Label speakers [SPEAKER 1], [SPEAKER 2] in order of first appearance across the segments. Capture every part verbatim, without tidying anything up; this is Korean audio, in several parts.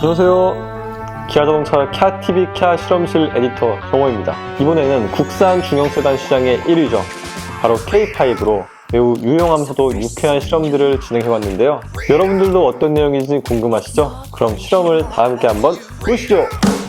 [SPEAKER 1] 안녕하세요. 기아자동차 캬티비 캬 실험실 에디터 정호입니다. 이번에는 국산 중형 세단 시장의 일 위죠. 바로 케이 파이브로 매우 유용하면서도 유쾌한 실험들을 진행해봤는데요. 여러분들도 어떤 내용인지 궁금하시죠? 그럼 실험을 다 함께 한번 보시죠.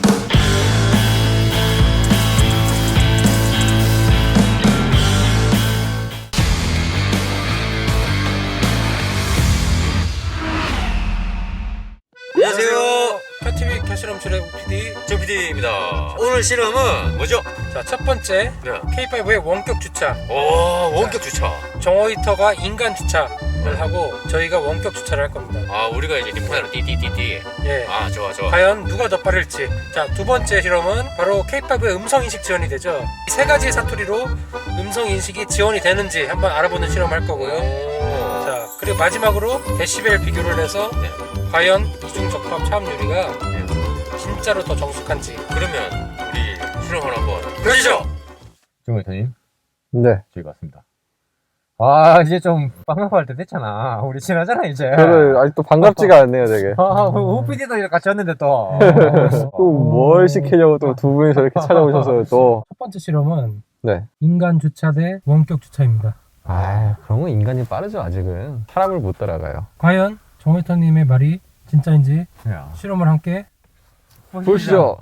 [SPEAKER 2] 안녕하세요. 캬티비 캬 실험실의 피디 정 피디입니다. 오늘 실험은 뭐죠? 자, 첫 번째 네. 케이 파이브의 원격 주차. 오, 원격 자, 주차. 정호 히터가 인간 주차를 네. 하고 저희가 원격 주차를 할 겁니다. 아, 우리가 이제 리모컨으로 띠띠띠띠. 예. 아, 좋아 좋아. 과연 누가 더 빠를지. 자, 두 번째 실험은 바로 케이 파이브의 음성 인식 지원이 되죠. 세 가지 사투리로 음성 인식이 지원이 되는지 한번 알아보는 실험을 할 거고요. 오. 자, 그리고 마지막으로 데시벨 비교를 해서 네. 과연 이중 적합 차음유리가 진짜로 더 정숙한지. 그러면 우리 실험을 한번 보시죠.
[SPEAKER 3] 정호 히터님,
[SPEAKER 1] 네.
[SPEAKER 3] 저희가 왔습니다. 아, 이제 좀 반가워할 때 됐잖아. 우리 친하잖아 이제.
[SPEAKER 1] 저는 아직도 반갑지가 않네요, 되게.
[SPEAKER 3] 아, 오피디도 같이 왔는데 또.
[SPEAKER 1] 또 뭘 시키려고 또 두 분이서 이렇게 찾아오셔서 또.
[SPEAKER 2] 첫 번째 실험은
[SPEAKER 1] 네.
[SPEAKER 2] 인간 주차 대 원격 주차입니다.
[SPEAKER 1] 아, 그런 건 인간이 빠르죠, 아직은. 사람을 못 따라가요.
[SPEAKER 2] 과연 정호이터님의 말이 진짜인지
[SPEAKER 3] 야.
[SPEAKER 2] 실험을 함께
[SPEAKER 1] 보시죠.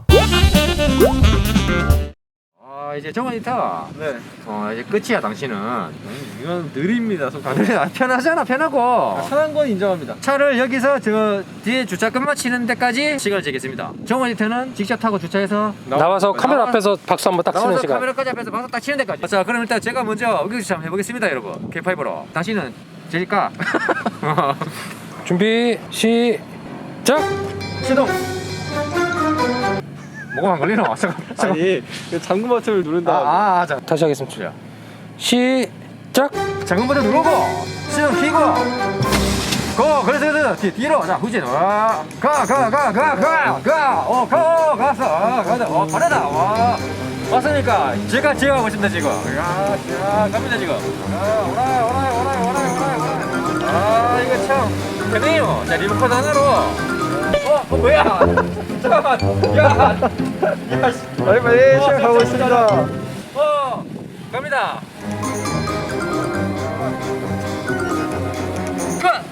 [SPEAKER 3] 아, 이제 정호 히터.
[SPEAKER 1] 네.
[SPEAKER 3] 어, 이제 끝이야, 당신은.
[SPEAKER 1] 이건 느립니다,
[SPEAKER 3] 아, 그래, 아, 편하잖아, 편하고.
[SPEAKER 1] 편한 건 인정합니다.
[SPEAKER 3] 차를 여기서 저 뒤에 주차 끝마치는 데까지 시간을 재겠습니다. 정호 히터는 직접 타고 주차해서
[SPEAKER 2] 나와서 카메라
[SPEAKER 3] 나와-
[SPEAKER 2] 앞에서 박수 한번 딱 치는
[SPEAKER 3] 나와서
[SPEAKER 2] 시간.
[SPEAKER 3] 카메라까지 앞에서 방송 딱 치는 데까지. 자, 그럼 일단 제가 먼저 원격 주차 한번 해보겠습니다, 여러분. 케이 파이브로. 당신은 제일까?
[SPEAKER 2] 준비 시작.
[SPEAKER 3] 시동. 뭐가 안 걸리나? 잠깐. 잠깐.
[SPEAKER 1] 아니, 잠금 버튼을 누른 다음에.
[SPEAKER 3] 아, 아, 자.
[SPEAKER 2] 다시 하겠습니다. 시작.
[SPEAKER 3] 잠금 버튼 누르고 시동 켜고 고. 그래서 그래서 뒤, 뒤로. 자, 후진. 와. 가, 가, 가, 가, 가, 가. 어, 가, 갔어. 아, 가자. 어, 빠르다. 와. 왔으니까 제가 제가 하고 있습니다 지금. 야, 야, 갑니다 지금. 아, 오라, 오라, 오라, 오라, 오라, 오라. 아, 이거 참 되네요. 자, 리모컨 하나로. 어, 어 뭐야? 잠깐만. 야, 야, 씨.
[SPEAKER 1] 빨리 빨리 시작하고 있습니다.
[SPEAKER 3] 어, 갑니다. 끝.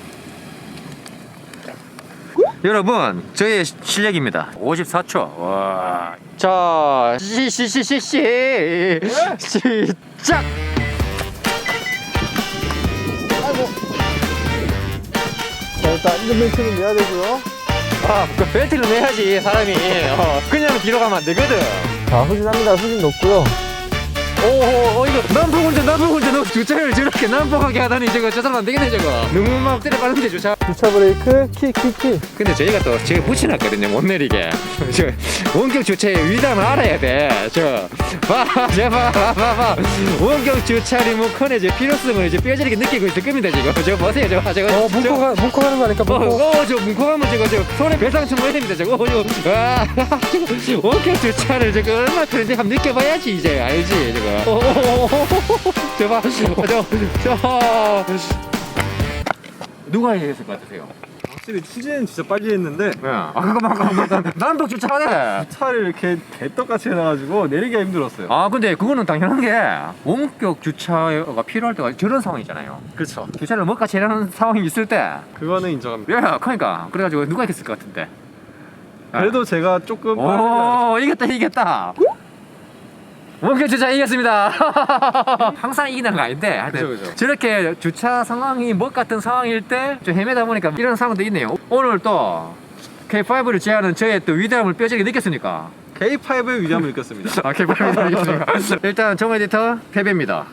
[SPEAKER 3] 여러분, 저의 시- 실력입니다. 오십사 초. 와. 자, 시시시시시 시작.
[SPEAKER 1] 자, 일단 안전벨트는 매야 되고요.
[SPEAKER 3] 아, 그 벨트를 매야지 사람이. 어, 그냥 뒤로 가면 안 되거든.
[SPEAKER 1] 자, 후진합니다. 후진 높고요.
[SPEAKER 3] 오호, 어, 이거 난폭 운전, 난폭 운전. 너 주차를 저렇게 난폭하게 하다니 저거 저 사람 안 되겠네 저거. 너무 막 때려 빠른데 주차.
[SPEAKER 1] 주차 브레이크, 키, 키, 키.
[SPEAKER 3] 근데 저희가 또 제가 붙여놨거든요, 못 내리게. 저 원격 주차의 위담을 알아야 돼. 저 봐, 저 봐, 봐, 봐, 봐. 원격 주차 리모컨의 제 필요성을 이제 뼈저리게 느끼고 있을 겁니다 지금. 저 보세요, 저거, 저거.
[SPEAKER 2] 어, 문코 가, 문코 가는 거 아닐까?
[SPEAKER 3] 어,
[SPEAKER 2] 문코.
[SPEAKER 3] 어, 저 문콕하면 저거 저 손에 배상충 해야 됩니다 저거. 어, 저거. 아, 저거 원격 주차를 저거 얼마나 그런지 한번 느껴봐야지 이제 알지 저거. 어, 어, 어, 어, 어. 저 봐, 저, 저, 저. 누가 했을 것 같으세요?
[SPEAKER 1] 확실히 후진은 진짜 빨리 했는데
[SPEAKER 3] 아, 그거만 그거만 난독 주차하네.
[SPEAKER 1] 차를 이렇게 개떡같이 해놔가지고 내리기가 힘들었어요.
[SPEAKER 3] 아, 근데 그거는 당연한 게 원격 주차가 필요할 때가 저런 상황이잖아요.
[SPEAKER 1] 그렇죠.
[SPEAKER 3] 주차를 못같이 해라는 상황이 있을 때.
[SPEAKER 1] 그거는 인정합니다.
[SPEAKER 3] 야, 그러니까 그래가지고 누가 했을 것 같은데.
[SPEAKER 1] 그래도 제가 조금 빠르게
[SPEAKER 3] 오, 이겼다 이겼다. 원격 주차 이겼습니다. 항상 이기는 거 아닌데 하여튼
[SPEAKER 1] 그죠, 그죠.
[SPEAKER 3] 저렇게 주차 상황이 뭐 같은 상황일 때 좀 헤매다 보니까 이런 상황도 있네요. 오늘 또 케이 파이브를 제하는 저의 또 위대함을 뼈저리게 느꼈습니까?
[SPEAKER 1] 케이 파이브의 위험을 느꼈습니다.
[SPEAKER 3] 아, 케이 파이브를 느꼈습니까? 일단 정호 에디터 패배입니다.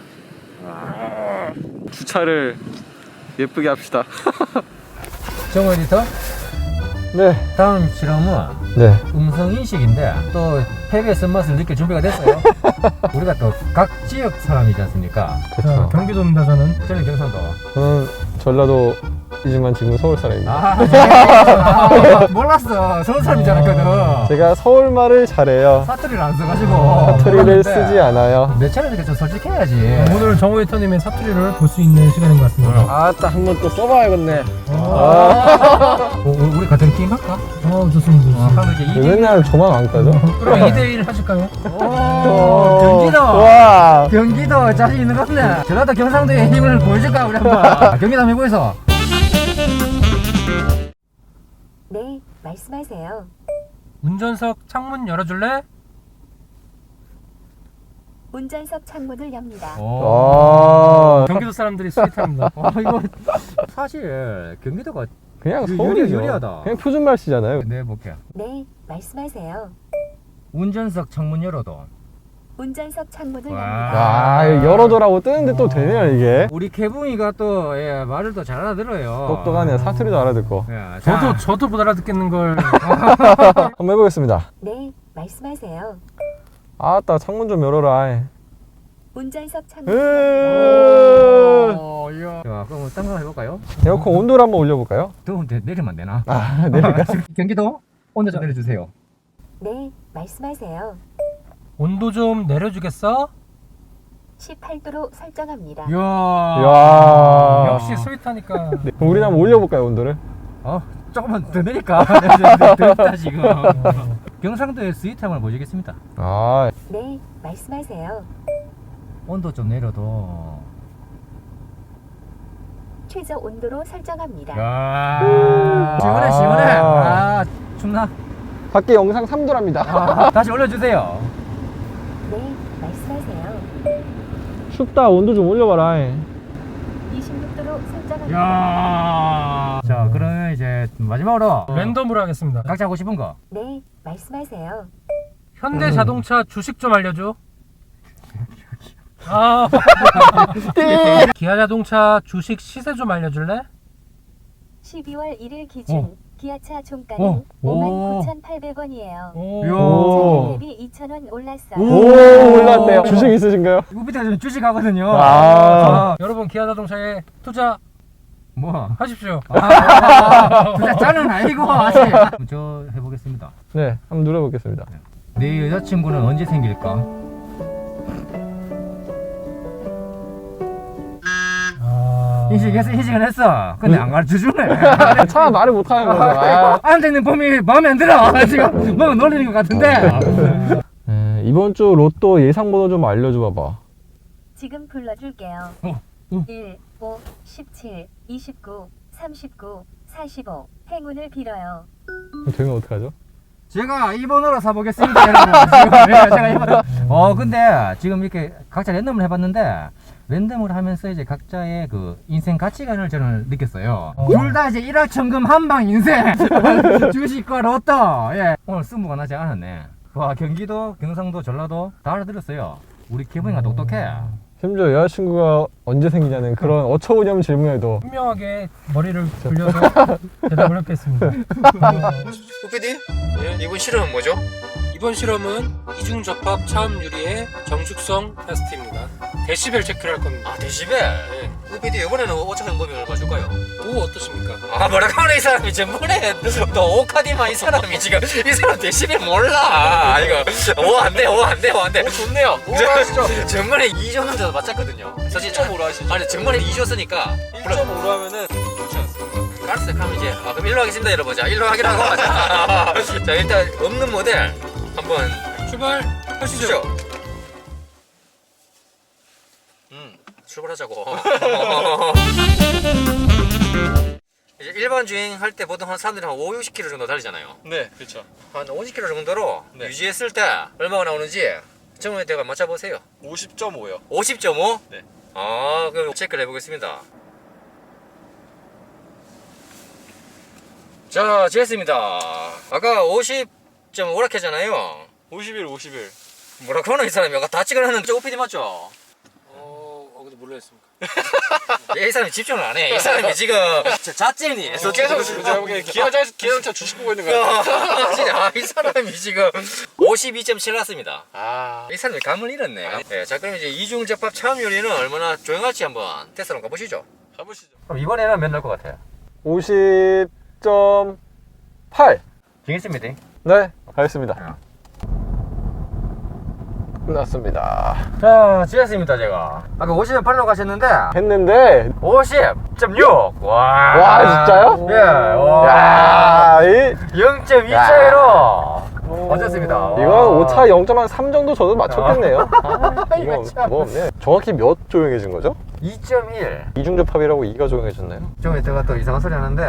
[SPEAKER 1] 주차를 예쁘게 합시다.
[SPEAKER 3] 정호 에디터,
[SPEAKER 1] 네.
[SPEAKER 3] 다음 실험은
[SPEAKER 1] 네.
[SPEAKER 3] 음성 인식인데 또 패배의 쓴맛을 느낄 준비가 됐어요. 우리가 또 각 지역 사람이지 않습니까?
[SPEAKER 1] 그렇죠.
[SPEAKER 2] 경기도입니다 저는.
[SPEAKER 3] 저는 경상도.
[SPEAKER 1] 저는 전라도 이지만 지금 서울 사람입니다.
[SPEAKER 3] 아, 몰랐어. 서울 사람인 줄 알았거든.
[SPEAKER 1] 제가 서울말을 잘해요.
[SPEAKER 3] 사투리를 안 써가지고.
[SPEAKER 1] 사투리를
[SPEAKER 3] 몰랐는데.
[SPEAKER 1] 쓰지 않아요.
[SPEAKER 3] 내 차례 이렇게 좀 솔직해야지.
[SPEAKER 2] 오늘 정호이터님의 사투리를 볼 수 있는 시간인 것 같습니다.
[SPEAKER 1] 아따 한 번 또 써봐야겠네.
[SPEAKER 3] 어, 우리 같은 팀 할까?
[SPEAKER 2] 어, 좋습니다.
[SPEAKER 3] 어, 그럼 이제 이
[SPEAKER 1] 맨날 저만 안 따져?
[SPEAKER 2] 그럼 이 대 일 하실까요?
[SPEAKER 3] 오, 경기도.
[SPEAKER 1] 와.
[SPEAKER 3] 경기도 자신 있는 것 같네. 전라도 경상도의 힘을 보여줄까 우리 한번. 경기도 한번 해보이소.
[SPEAKER 4] 네, 말씀하세요.
[SPEAKER 2] 운전석 창문 열어줄래?
[SPEAKER 4] 운전석 창문을 엽니다.
[SPEAKER 1] 아.
[SPEAKER 2] 경기도 사람들이 스윗합니다.
[SPEAKER 3] 어, 이거 사실 경기도가
[SPEAKER 1] 그냥
[SPEAKER 3] 유-
[SPEAKER 1] 서울이죠.
[SPEAKER 3] 유리- 유리하다.
[SPEAKER 1] 그냥 표준말 쓰잖아요.
[SPEAKER 3] 네 볼게요.
[SPEAKER 4] 네, 말씀하세요.
[SPEAKER 3] 운전석 창문 열어도.
[SPEAKER 4] 운전석 창문을
[SPEAKER 3] 와.
[SPEAKER 4] 엽니다.
[SPEAKER 1] 아, 열어둬라고 뜨는데 또 되네요, 이게.
[SPEAKER 3] 우리 개붕이가 또 예, 말을 또 잘 알아들어요.
[SPEAKER 1] 똑똑하네요. 사투리도 알아듣고.
[SPEAKER 3] 예,
[SPEAKER 2] 저도
[SPEAKER 3] 자,
[SPEAKER 2] 저도 못 알아듣겠는 걸.
[SPEAKER 1] 한번 해보겠습니다.
[SPEAKER 4] 네, 말씀하세요.
[SPEAKER 1] 아따, 창문 좀 열어라.
[SPEAKER 4] 운전석 창문.
[SPEAKER 1] 으...
[SPEAKER 3] 어, 이야. 자, 그럼 딴 거 해볼까요?
[SPEAKER 1] 에어컨 온도를 한번 올려볼까요?
[SPEAKER 3] 더운데 내리면 안 되나?
[SPEAKER 1] 아, 내릴까?
[SPEAKER 3] 경기도 온도 좀 내려주세요.
[SPEAKER 4] 네, 말씀하세요.
[SPEAKER 2] 온도 좀 내려주겠어?
[SPEAKER 4] 십팔 도로 설정합니다.
[SPEAKER 3] 이야.
[SPEAKER 1] 이야.
[SPEAKER 2] 역시 스윗하니까.
[SPEAKER 1] 네, 그럼 우리 한번 올려볼까요, 온도를?
[SPEAKER 3] 어, 조금만 더 내릴까? 네, 네, 네, 덥다 지금. 경상도의 스윗함을 보여주겠습니다.
[SPEAKER 1] 아,
[SPEAKER 4] 네, 말씀하세요.
[SPEAKER 3] 온도 좀 내려도.
[SPEAKER 4] 최저 온도로 설정합니다.
[SPEAKER 3] 야. 시원해 시원해. 아, 춥나?
[SPEAKER 1] 밖에 영상 삼 도랍니다.
[SPEAKER 3] 아, 다시 올려주세요.
[SPEAKER 4] 네, 말씀하세요.
[SPEAKER 1] 춥다, 온도 좀 올려봐라.
[SPEAKER 4] 이십육 도로 설정합니다.
[SPEAKER 3] 야. 자, 그러면 이제 마지막으로
[SPEAKER 2] 랜덤으로 하겠습니다.
[SPEAKER 3] 각자 하고 싶은 거.
[SPEAKER 4] 네, 말씀하세요.
[SPEAKER 2] 현대 자동차 주식 좀 알려줘. 아. 기아 자동차 주식 시세 좀 알려줄래?
[SPEAKER 4] 십이월 일일 기준
[SPEAKER 3] 어.
[SPEAKER 4] 기아차 종가는
[SPEAKER 3] 어.
[SPEAKER 4] 오만
[SPEAKER 3] 오.
[SPEAKER 4] 구천팔백 원이에요.
[SPEAKER 2] 오.
[SPEAKER 1] 오.
[SPEAKER 4] 전일 대비 이천 원 올랐어요.
[SPEAKER 1] 오, 올랐네요. 주식 있으신가요?
[SPEAKER 3] 이거 밑에 좀 주식하거든요.
[SPEAKER 1] 아.
[SPEAKER 2] 여러분 기아 자동차에 투자하십시오.
[SPEAKER 3] 뭐? 아, 아, 진짜 짜는 아니고 아직. 저 해보겠습니다.
[SPEAKER 1] 네, 한번 눌러보겠습니다.
[SPEAKER 3] 내 여자친구는 언제 생길까?
[SPEAKER 2] 아.
[SPEAKER 3] 인식했어, 인식은 했어. 근데 안 가르쳐주네.
[SPEAKER 1] 차 말을 못하는 거죠. 아.
[SPEAKER 3] 안 되는 범위 마음에 안 들어. 지금 뭔가 놀리는 것 같은데.
[SPEAKER 1] 에, 이번 주 로또 예상 번호 좀 알려줘 봐봐.
[SPEAKER 4] 지금 불러줄게요.
[SPEAKER 3] 어, 어.
[SPEAKER 4] 일, 오, 십칠, 이십구, 삼십구, 사십오. 행운을 빌어요.
[SPEAKER 1] 되면 어떡하죠?
[SPEAKER 3] 제가 이 번호로 사보겠습니다, 여러분. 지금, 예, 제가 이 번호. 어, 근데 지금 이렇게 각자 랜덤을 해봤는데, 랜덤을 하면서 이제 각자의 그 인생 가치관을 저는 느꼈어요.
[SPEAKER 2] 어.
[SPEAKER 3] 둘 다 이제 일확천금 한방 인생. 주식과 로또. 예. 오늘 스무가 나지 않았네. 와, 경기도, 경상도, 전라도 다 알아들었어요. 우리 기분이가 똑똑해.
[SPEAKER 1] 심지어 여자친구가 언제 생기냐는 그런 어처구니없는 질문에도
[SPEAKER 2] 현명하게 머리를 굴려서 대답을 했겠습니다.
[SPEAKER 5] 우피디? 이번 실험은 뭐죠?
[SPEAKER 2] 이번 실험은 이중 접합 차음 유리의 정숙성 테스트입니다. 데시벨 체크를 할 겁니다.
[SPEAKER 5] 아 데시벨?
[SPEAKER 2] 네.
[SPEAKER 5] 우피디 이번에는 오차 방법이 얼마 줄까요?
[SPEAKER 2] 오 어떠십니까?
[SPEAKER 5] 아 뭐라고 하네 이 사람이 전번에 너 오카디마 이 사람이 지금 이 사람 데시벨 몰라 이거 오 안돼 오 안돼 오 안돼 좋네요 오 하시죠 전번에 이 줬는데도 맞췄거든요 사실 일 점 오로 하시죠 아니 전번에 이 줬으니까 일 점 오로 하면은 좋지 않습니까? 알았어요 그럼 이제 아, 그럼 일로 하겠습니다 여러분 자 일로 하기로 하고 자, 자 일단 없는 모델 한번
[SPEAKER 2] 출발하시죠.
[SPEAKER 5] 주시죠. 음, 출발하자고. 이제 일반 주행 할 때 보통 한 사람들이 한 오, 육십 킬로미터 정도 달리잖아요.
[SPEAKER 6] 네, 그렇죠.
[SPEAKER 5] 한 오십 킬로미터 정도로
[SPEAKER 6] 네.
[SPEAKER 5] 유지했을 때 얼마가 나오는지 정원에다가 맞춰보세요.
[SPEAKER 6] 오십 점 오요.
[SPEAKER 5] 오십 점 오?
[SPEAKER 6] 네.
[SPEAKER 5] 아, 그럼 체크를 해보겠습니다. 자, 됐습니다. 아까 오십 점 오라 했잖아요.
[SPEAKER 6] 오십일, 오십일.
[SPEAKER 5] 뭐라고 하나 이 사람이 아까 다 찍어놨는 저 오피디 맞죠?
[SPEAKER 2] 어, 어 근데 몰라했습니다.
[SPEAKER 5] 이 사람이 집중을 안 해. 이 사람이 지금 자찐이.
[SPEAKER 6] 저 계속 제가 보기엔 기아자, 기아자동차 주식 보고 있는 거 같아요.
[SPEAKER 5] 진짜 이 사람이 지금 오십이 점 칠 났습니다.
[SPEAKER 6] 아,
[SPEAKER 5] 이 사람이 감을 잃었네. 네, 자 그럼 이제 이중 접합 차음 요리는 얼마나 조용할지 한번 테스트로 가보시죠.
[SPEAKER 6] 가보시죠.
[SPEAKER 3] 그럼 이번에는 몇 날 것 같아요?
[SPEAKER 1] 오십 점 팔.
[SPEAKER 3] 되겠습니다.
[SPEAKER 1] 네, 가겠습니다. 끝났습니다.
[SPEAKER 3] 자, 지었습니다, 제가. 아까 오십 점 팔로 가셨는데,
[SPEAKER 1] 했는데,
[SPEAKER 3] 오십 점 육! 와.
[SPEAKER 1] 와, 진짜요?
[SPEAKER 3] 예, 와.
[SPEAKER 1] 야, 이,
[SPEAKER 3] 영 점 이 차이로. 어쨌습니다.
[SPEAKER 1] 이건 오차 영 점 삼 정도 저도 맞췄겠네요. 아,
[SPEAKER 3] 이거
[SPEAKER 1] 이거
[SPEAKER 3] 참.
[SPEAKER 1] 뭐 없네. 정확히 몇 조용해진 거죠?
[SPEAKER 3] 이 점 일.
[SPEAKER 1] 이중접합이라고 이가 조용해졌나요?
[SPEAKER 3] 좀 이따가 또 이상한 소리 하는데.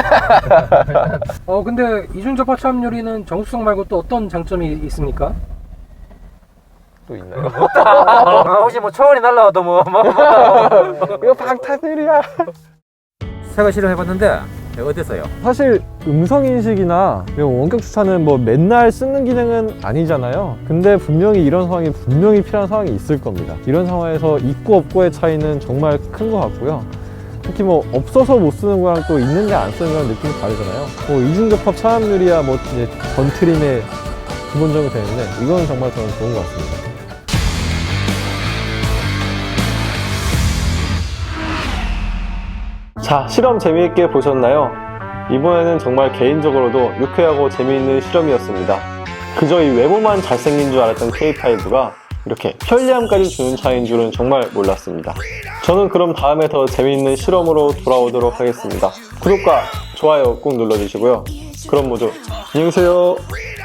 [SPEAKER 2] 어 근데 이중접합 차압유리는 정수성 말고 또 어떤 장점이 있습니까?
[SPEAKER 1] 또 있나요?
[SPEAKER 3] 아, 혹시 뭐 초원이 날라와도 뭐, 뭐, 뭐.
[SPEAKER 1] 이거 방탄유리야.
[SPEAKER 3] 새거 실험해봤는데, 어땠어요?
[SPEAKER 1] 사실 음성인식이나 이런 원격 주차는 뭐 맨날 쓰는 기능은 아니잖아요. 근데 분명히 이런 상황이 분명히 필요한 상황이 있을 겁니다. 이런 상황에서 있고 없고의 차이는 정말 큰 것 같고요. 특히 뭐 없어서 못 쓰는 거랑 또 있는데 안 쓰는 거랑 느낌이 다르잖아요. 뭐 이중접합 차압유리야 뭐 이제 건트림에 기본적으로 되는데 이건 정말 저는 좋은 것 같습니다. 자, 실험 재미있게 보셨나요? 이번에는 정말 개인적으로도 유쾌하고 재미있는 실험이었습니다. 그저 이 외모만 잘생긴 줄 알았던 케이 파이브가 이렇게 편리함까지 주는 차인 줄은 정말 몰랐습니다. 저는 그럼 다음에 더 재미있는 실험으로 돌아오도록 하겠습니다. 구독과 좋아요 꼭 눌러주시고요. 그럼 모두 안녕히 계세요.